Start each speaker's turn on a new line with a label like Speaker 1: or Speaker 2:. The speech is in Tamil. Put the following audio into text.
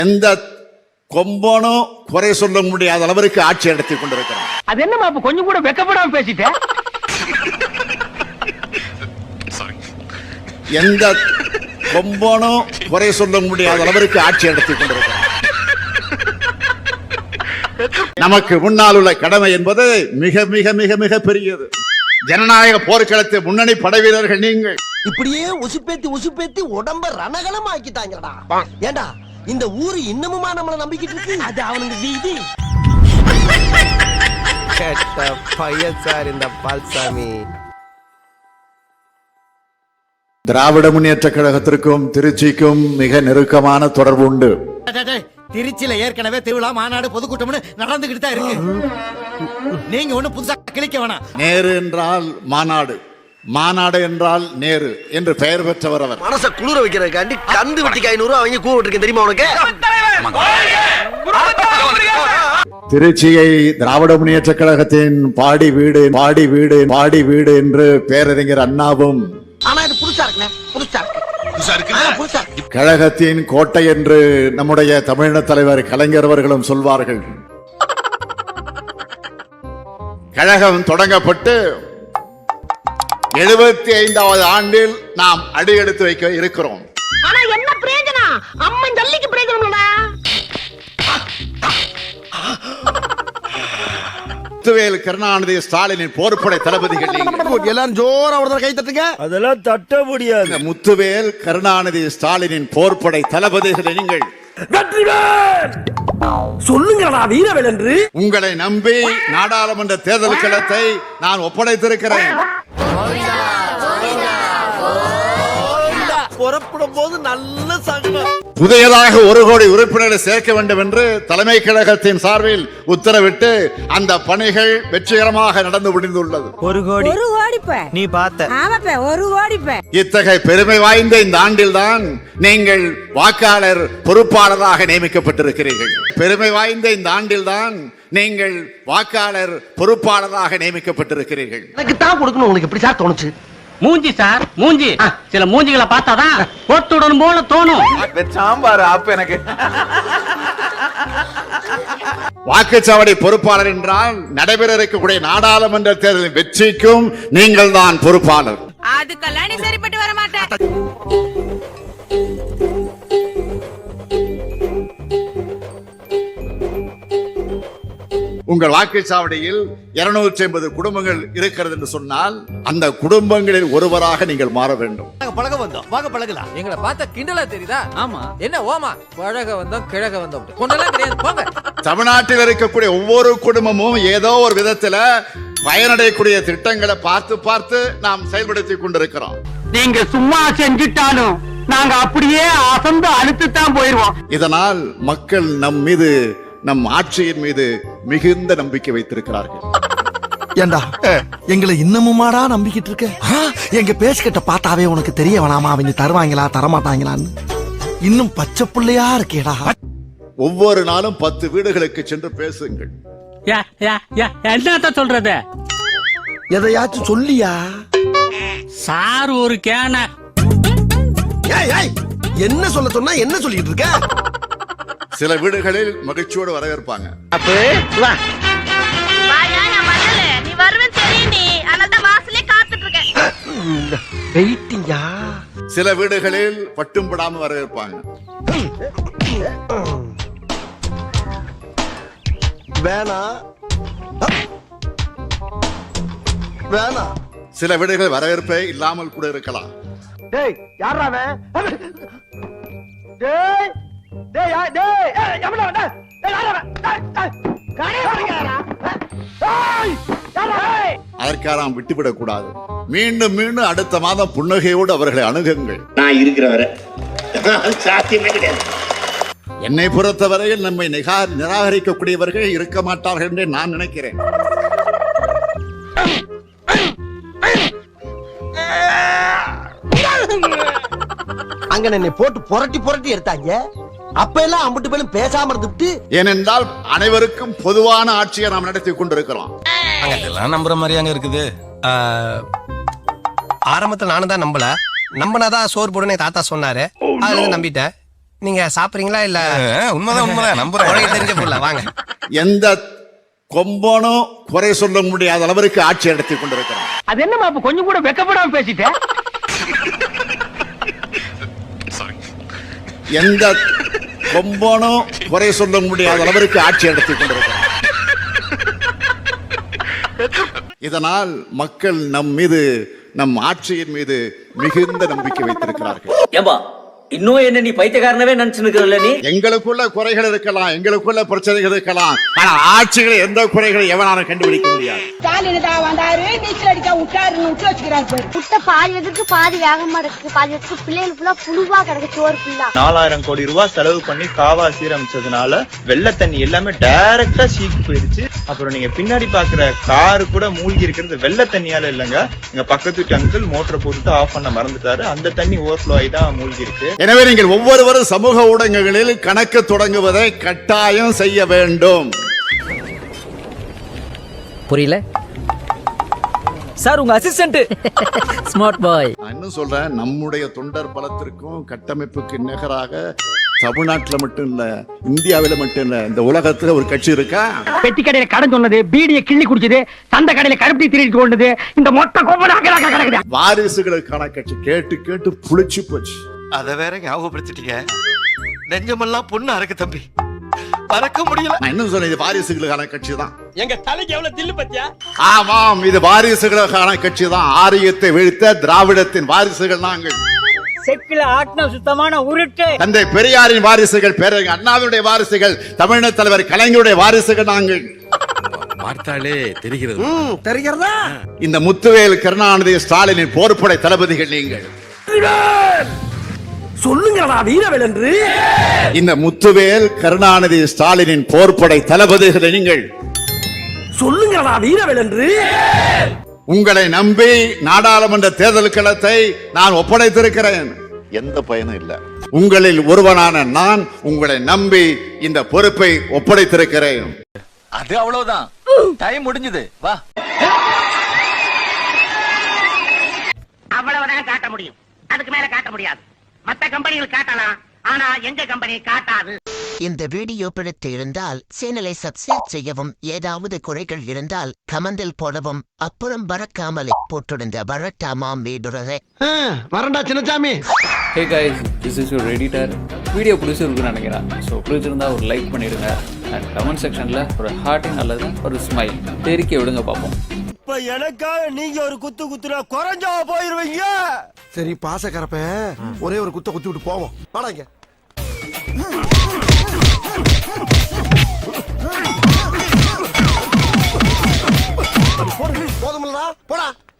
Speaker 1: எந்த கொம்பனும் குறை சொல்ல முடியாத அளவிற்கு ஆட்சி நடத்தி கொண்டிருக்கிறார்.
Speaker 2: அது என்னமா கொஞ்சம் கூட வெக்கப்படாம பேசிட்டேன்.
Speaker 1: எந்த கொம்பனும் குறை சொல்ல முடியாத அளவிற்கு ஆட்சி நடத்தி கொண்டிருக்கிறார். நமக்கு முன்னால் உள்ள கடமை என்பது மிக மிக மிக மிக பெரியது. ஜனநாயக போர்க்களத்தை முன்னணி படைவீரர்கள் நீங்கள்.
Speaker 3: இப்படியே உசுப்பேத்தி உடம்ப ரணகலம் ஆக்கிட்டாங்கடா. ஏண்டா இந்த ஊரு இன்னமுமா நம்மள நம்பிக்கிட்டு இருக்கு? அது அவனுக்கு வீதி.
Speaker 4: கேட்ட பையன் சார் இந்த பால்சாமி.
Speaker 1: திராவிட முன்னேற்ற கழகத்திற்கும் திருச்சிக்கும் மிக நெருக்கமான தொடர்பு உண்டு.
Speaker 5: திருச்சியில ஏற்கனவே திருவிழா மாநாடு பொதுக்கூட்டம்னு நடந்துகிட்டு தான் இருக்கு. நீங்க ஒண்ணு புதுசா கிளிக்க வேணாம்.
Speaker 1: நேரு என்றால் மாநாடு, மாநாடு என்றால் நேரு என்று பெயர் பெற்றவர் அவர்.
Speaker 3: மனச குளிர வைக்கிறதுக்காண்டி கந்து வெட்டிக்கு 500 அவங்க கூப்பிட்டு தெரியுமா உனக்கு?
Speaker 1: திருச்சியை திராவிட முன்னேற்ற கழகத்தின் பாடி வீடு பாடி வீடு பாடி வீடு என்று பேரறிஞர் அண்ணாவும்,
Speaker 3: ஆனா இது புதுசா இருக்குண்ணே, புதுசா இருக்கு.
Speaker 1: கழகத்தின் கோட்டை என்று நம்முடைய தமிழின தலைவர் கலைஞர் அவர்களும் சொல்வார்கள். கழகம் தொடங்கப்பட்டு 75வது ஆண்டில் நாம் அடியெடுத்து வைக்க இருக்கிறோம்.
Speaker 6: ஆனா என்ன பிரயோஜனம்? அம்மன் ஜல்லிக்கு பிரயோஜனம்டா.
Speaker 1: முத்துவேல் கருணாநிதி ஸ்டாலினின் போர்ப்படை தளபதிகள்
Speaker 4: எல்லாரும் ஜோரா ஒரு கை தட்டுங்க.
Speaker 5: அதெல்லாம் தட்ட முடியாது.
Speaker 1: முத்துவேல் கருணாநிதி ஸ்டாலினின் போர்ப்படை தளபதிகளை நீங்கள்
Speaker 3: சொல்லுங்கடா வீரவேல் என்று.
Speaker 1: உங்களை நம்பி நாடாளுமன்ற தேர்தல் களத்தை நான் ஒப்படைத்திருக்கிறேன்.
Speaker 3: புறப்படும் போது நல்ல சகனம்.
Speaker 1: புதியதாக 1 கோடி உறுப்பினர்களை சேர்க்க வேண்டும் என்று தலைமை கழகத்தின் சார்பில் உத்தரவிட்டு அந்த பணிகள் வெற்றிகரமாக நடந்து முடிந்துள்ளது.
Speaker 5: 1 கோடி
Speaker 7: நீ பார்த்த. ஆமாப்பா 1 கோடி.
Speaker 1: இத்தகைய பெருமை வாய்ந்த இந்த ஆண்டில்தான் நீங்கள் வாக்காளர் பொறுப்பாளராக நியமிக்கப்பட்டிருக்கிறீர்கள். பெருமை வாய்ந்த இந்த ஆண்டில்தான் நீங்கள் வாக்காளர் பொறுப்பாளராக நியமிக்கப்பட்டிருக்கிறீர்கள்.
Speaker 3: எனக்கு தான் கொடுக்கணும். உங்களுக்கு எப்படி சார் தோணுச்சு?
Speaker 2: மூஞ்சி சார், மூஞ்சி. சில மூஞ்சிகளை பார்த்தாதான் போட்டுடன் போல தோணும்.
Speaker 4: சாம்பார் அப்ப எனக்கு
Speaker 1: வாக்குச்சாவடி பொறுப்பாளர் என்றால் நடைபெற இருக்கக்கூடிய நாடாளுமன்ற தேர்தலின் வெற்றிக்கும் நீங்கள் தான் பொறுப்பாளர்.
Speaker 7: அதுக்கெல்லாம் நீ சரிப்பட்டு வர மாட்டேன்.
Speaker 1: உங்கள் வாக்குச்சாவடியில் 250 குடும்பங்கள் இருக்கிறது என்று சொன்னால் அந்த குடும்பங்களில் ஒருவராக நீங்கள் மாற வேண்டும்.
Speaker 5: பழக வந்தோம், வாங்க பழகலாம்.
Speaker 8: எங்களை பார்த்தா கிண்டலா தெரியுதா? ஆமா. என்ன ஓமா பழக வந்தோம் கிழக வந்தோம் கொண்டெல்லாம் கிடையாது. போங்க.
Speaker 1: தமிழ்நாட்டில் இருக்கக்கூடிய ஒவ்வொரு குடும்பமும் ஏதோ ஒரு விதத்துல பயனடையக்கூடிய திட்டங்களை பார்த்து பார்த்து நாம் செயல்படுத்தி கொண்டிருக்கிறோம்.
Speaker 2: நீங்க சும்மா செஞ்சுட்டாலும் நாங்க அப்படியே அசந்து அழுத்துத்தான் போயிருவோம்.
Speaker 1: இதனால் மக்கள் நம் மீது, நம் ஆட்சியின் மீது மிகுந்த நம்பிக்கை வைத்திருக்கிறார்கள்.
Speaker 4: ஏண்டா எங்களை இன்னமுமாடா நம்பிக்கிட்டு இருக்க? எங்க பேசிக்கிட்ட பார்த்தாவே உனக்கு தெரிய வேணாமா அவங்க தருவாங்களா தரமாட்டாங்களான்னு? இன்னும் பச்சை பிள்ளையா இருக்கேடா.
Speaker 1: ஒவ்வொரு நாளும் 10 வீடுகளுக்கு சென்று பேசுங்கள்.
Speaker 2: என்னத்த சொல்றது?
Speaker 4: எதையாச்சும் சொல்லியா
Speaker 2: சார் ஒரு கேன.
Speaker 4: என்ன சொல்ல சொன்னா என்ன சொல்லிட்டு இருக்க?
Speaker 1: சில வீடுகளில் மகிழ்ச்சியோடு வரவேற்பாங்க.
Speaker 6: நீ வருவேன்னு தெரியும். நீ அனதான் வாசலே காத்துட்டு இருக்கேன்.
Speaker 3: வெயிட்டிங்கா.
Speaker 1: சில வீடுகளில் பட்டும் படாம வரவேற்பாங்க.
Speaker 3: வேணா வேணா.
Speaker 1: சில வீடுகள் வரவேற்பே இல்லாமல் கூட இருக்கலாம்.
Speaker 3: டேய் யாரா அவன்? டேய் டேய் டேய் எவனா வந்த? டேய் யாரா அவன்? டேய் காணே வரங்கடா. டேய் யாரா?
Speaker 1: அதற்காக நாம் விட்டுவிடக் கூடாது. மீண்டும் மீண்டும் அடுத்த மாதம் புன்னகையோடு அவர்களை அணுகுங்கள்.
Speaker 9: நான் இருக்கிற வரை சாத்தியமே கிடையாது.
Speaker 1: என்னை பொறுத்தவரையில் நம்மை நிராகரிக்கக்கூடியவர்கள் இருக்க மாட்டார்கள் என்று நான் நினைக்கிறேன்.
Speaker 3: அங்க என்னை போட்டு புரட்டி புரட்டி எடுத்தாங்க. அப்ப எல்லாம் அம்பட்டு பேரும் பேசாம இருந்துட்டு.
Speaker 1: ஏனென்றால் அனைவருக்கும் பொதுவான ஆட்சியை நாம் நடத்தி கொண்டிருக்கிறோம்.
Speaker 4: அதெல்லாம் நம்புற மாதிரி அங்க இருக்குது. ஆரம்பத்துல நானும் தான் நம்பல. நம்பினாதான் சோறு போடுன்னு தாத்தா சொன்னாரு. அதுல நம்பிட்டேன்.
Speaker 3: நீங்க சாப்பிடுறீங்களா இல்ல
Speaker 10: உண்மைதான் நம்புறேன்
Speaker 3: தெரிஞ்ச புள்ள வாங்க.
Speaker 1: எந்த கொம்பனும் குறை சொல்ல முடியாத அளவிற்கு ஆட்சி நடத்தி கொண்டிருக்கிறான்.
Speaker 2: அது என்னமா அப்ப கொஞ்சம் கூட வெக்கப்படாம பேசிட்டேன்.
Speaker 1: எந்த கொம்பனும் குறை சொல்ல முடியாத அளவிற்கு ஆட்சி நடத்தி கொண்டிருக்கிறார். இதனால் மக்கள் நம் மீது, நம் ஆட்சியின் மீது மிகுந்த நம்பிக்கை வைத்திருக்கிறார்கள்.
Speaker 2: ஏம்பா இன்னும் என்ன நீ பைத்தியக்காரனவே நினைச்சுக்கிறல்ல நீ?
Speaker 1: எங்களுக்குள்ள குறைகள் இருக்கலாம், எங்களுக்குள்ள பிரச்சனைகள் இருக்கலாம், ஆனா ஆட்சிகளை எந்த குறைகளை எவனாலும் கண்டுபிடிக்க முடியாது.
Speaker 6: முட்டை பாதி எதுக்கு பாதி வேகமா இருக்கு, பாதி எதுக்கு பிள்ளைகள் ஃபுல்லா புழுவா கிடக்கு, சோறு ஃபுல்லா.
Speaker 10: 4000 கோடி ரூபாய் செலவு பண்ணி காவா சீரமைச்சதுனால வெள்ள தண்ணி எல்லாமே டைரக்டா சீக்கு போயிருச்சு. அப்புறம் நீங்க பின்னாடி பாக்குற காரு கூட மூழ்கி இருக்கிறது வெள்ள தண்ணியால இல்லங்க, எங்க பக்கத்து வீட்டு அங்கிள் மோட்டரை போட்டு ஆஃப் பண்ண மறந்துட்டாரு. அந்த தண்ணி ஓவர்ஃப்ளோ ஆகி தான் மூழ்கி இருக்கு.
Speaker 1: எனவே நீங்கள் ஒவ்வொருவரும் சமூக ஊடகங்களில் கணக்கு தொடங்குவதை கட்டாயம் செய்ய வேண்டும்.
Speaker 2: புரியல சார், உங்க அசிஸ்டன்ட் ஸ்மார்ட் பாய்.
Speaker 1: நான் இன்னும் சொல்றேன், நம்முடைய தொண்டர் பலத்திற்கும் கட்டமைப்புக்கு நிகராக தமிழ்நாட்டில் மட்டும் இல்ல, இந்தியாவில மட்டும் இல்ல, இந்த உலகத்துல ஒரு கட்சி இருக்கா?
Speaker 2: பெட்டி கடையில கடன் சொன்னது, பீடியை கிள்ளி குடிச்சது, சந்த கடையில கருப்பி திருடி கொண்டது, இந்த மொத்த கோபம்
Speaker 1: வாரிசுகளுக்கான கட்சி. கேட்டு கேட்டு புளிச்சு போச்சு.
Speaker 4: அத வேற ஞாபகப்படுத்திட்டீங்க. நெஞ்சமெல்லாம் பொண்ணு அறக்கு தம்பி, மறக்க முடியல.
Speaker 1: நான் இன்னும் சொன்னேன், இது வாரிசுகளுக்கான கட்சி தான்.
Speaker 3: எங்க தலைக்கு எவ்வளவு தில்லு பத்தியா?
Speaker 1: ஆமாம், இது வாரிசுகளுக்கான கட்சி தான். ஆரியத்தை வீழ்த்த திராவிடத்தின் வாரிசுகள் நாங்கள்.
Speaker 2: செக்கில ஆட்டின சுத்தமான உருட்டு.
Speaker 1: தந்தை பெரியாரின் வாரிசுகள், பேரறிஞர் அண்ணாவுடைய வாரிசுகள், தமிழ்நாடு தலைவர் கலைஞருடைய வாரிசுகள் நாங்கள்.
Speaker 10: பார்த்தாலே தெரிகிறது.
Speaker 3: தெரிகிறதா?
Speaker 1: இந்த முத்துவேல், கருணாநிதி, ஸ்டாலினின் போர்ப்படை தளபதிகள் நீங்கள்.
Speaker 3: சொல்லுங்கடா வீரவேல் என்று.
Speaker 1: இந்த முத்துவேல், கருணாநிதி, ஸ்டாலினின் போர்ப்படை தளபதிகள் நீங்கள்.
Speaker 3: சொல்லுங்கடா வீரவேல் என்று.
Speaker 1: உங்களை நம்பி நாடாளுமன்ற தேர்தல் களத்தை நான் ஒப்படைத்திருக்கிறேன். எந்த பயனும் இல்ல. உங்களில் ஒருவனான நான் உங்களை நம்பி இந்த பொறுப்பை ஒப்படைத்திருக்கிறேன்.
Speaker 2: அது அவ்வளவுதான், டைம் முடிஞ்சது. வா, அவ்வளவுதான் காட்ட முடியும், அதுக்கு மேல காட்ட முடியாது. மத்த கம்பெனிகள் காட்டலாம், ஆனா எங்க கம்பெனி காட்டாது.
Speaker 3: இந்த வீடியோ பிடித்து இருந்தால் சேனலை சப்ஸ்கிரைப் செய்யவும், ஏதாவது குறைகள் இருந்தால் கமெண்டில் போடவும், அப்புறம் பறக்காமலே போட்டிருந்த வரட்டாமாம் வீடுறதே. வரண்டா Chinnasamy.
Speaker 8: Hey guys, this is your editor. Video பிடிச்சிருக்குன்னு நினைக்கிறேன். ஸோ பிடிச்சிருந்தா ஒரு லைக் பண்ணிடுங்க, அண்ட் கமெண்ட் செக்ஷனில் ஒரு ஹார்ட்டிங் அல்லது ஒரு ஸ்மைல் தெரிக்க விடுங்க பார்ப்போம்.
Speaker 3: இப்ப எனக்காக நீங்க ஒரு குத்து குத்துனா குறைஞ்சா போயிருவீங்க.
Speaker 4: சரி பாசக்கரப்ப ஒரே ஒரு குத்த குத்தி விட்டு போவோம். வாடாங்க. போதுமில்லடா, போடா.